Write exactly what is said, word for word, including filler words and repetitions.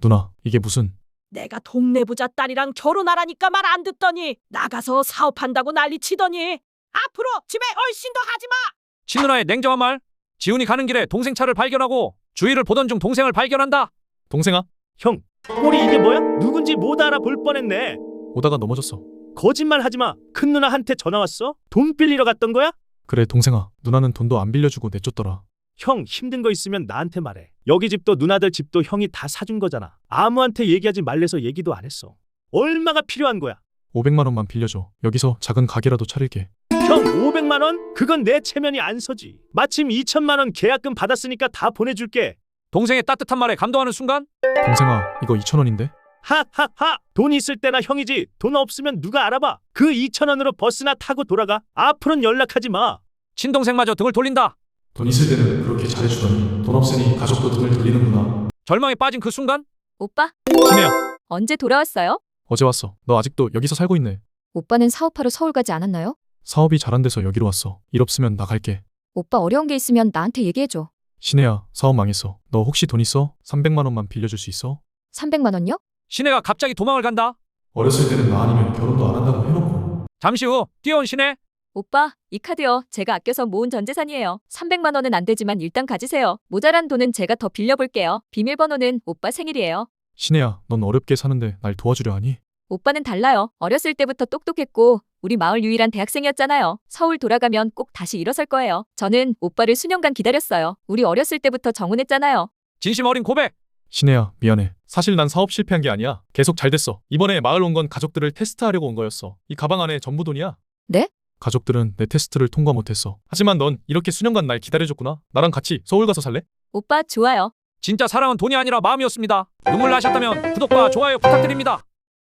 누나, 이게 무슨... 내가 동네 부자 딸이랑 결혼하라니까 말 안 듣더니 나가서 사업한다고 난리치더니 앞으로 집에 얼씬도 하지 마. 친누나의 냉정한 말. 지훈이 가는 길에 동생 차를 발견하고 주위를 보던 중 동생을 발견한다. 동생아, 형, 꼴이 이게 뭐야? 누군지 못 알아볼 뻔했네. 오다가 넘어졌어. 거짓말 하지 마. 큰 누나한테 전화 왔어? 돈 빌리러 갔던 거야? 그래 동생아, 누나는 돈도 안 빌려주고 내쫓더라. 형, 힘든 거 있으면 나한테 말해. 여기 집도 누나들 집도 형이 다 사준 거잖아. 아무한테 얘기하지 말래서 얘기도 안 했어. 얼마가 필요한 거야? 오백만 원만 빌려줘. 여기서 작은 가게라도 차릴게. 형, 오백만 원? 그건 내 체면이 안 서지. 마침 이천만 원 계약금 받았으니까 다 보내줄게. 동생의 따뜻한 말에 감동하는 순간 동생아, 이거 이천 원인데? 하하하. 돈 있을 때나 형이지. 돈 없으면 누가 알아봐. 그 이천 원으로 버스나 타고 돌아가. 앞으로는 연락하지 마. 친동생마저 등을 돌린다. 돈 있을 때는 그렇게 잘해주더니 돈 없으니 가족도 등을 돌리는구나. 절망에 빠진 그 순간 오빠, 신혜야, 언제 돌아왔어요? 어제 왔어. 너 아직도 여기서 살고 있네. 오빠는 사업하러 서울 가지 않았나요? 사업이 잘 안 돼서 여기로 왔어. 일 없으면 나 갈게. 오빠 어려운 게 있으면 나한테 얘기해줘. 신혜야, 사업 망했어. 너 혹시 돈 있어? 삼백만 원만 빌려줄 수 있어? 삼백만 원요? 신혜가 갑자기 도망을 간다. 어렸을 때는 나 아니면 결혼도 안 한다고 해놓고. 잠시 후 뛰어온 신혜. 오빠, 이 카드요. 제가 아껴서 모은 전 재산이에요. 삼백만 원은 안 되지만 일단 가지세요. 모자란 돈은 제가 더 빌려볼게요. 비밀번호는 오빠 생일이에요. 신혜야, 넌 어렵게 사는데 날 도와주려 하니? 오빠는 달라요. 어렸을 때부터 똑똑했고 우리 마을 유일한 대학생이었잖아요. 서울 돌아가면 꼭 다시 일어설 거예요. 저는 오빠를 수년간 기다렸어요. 우리 어렸을 때부터 정혼했잖아요. 진심 어린 고백. 신혜야, 미안해. 사실 난 사업 실패한 게 아니야. 계속 잘 됐어. 이번에 마을 온 건 가족들을 테스트하려고 온 거였어. 이 가방 안에 전부 돈이야. 네? 가족들은 내 테스트를 통과 못했어. 하지만 넌 이렇게 수년간 날 기다려줬구나. 나랑 같이 서울 가서 살래? 오빠 좋아요. 진짜 사랑은 돈이 아니라 마음이었습니다. 눈물 나셨다면 구독과 좋아요 부탁드립니다.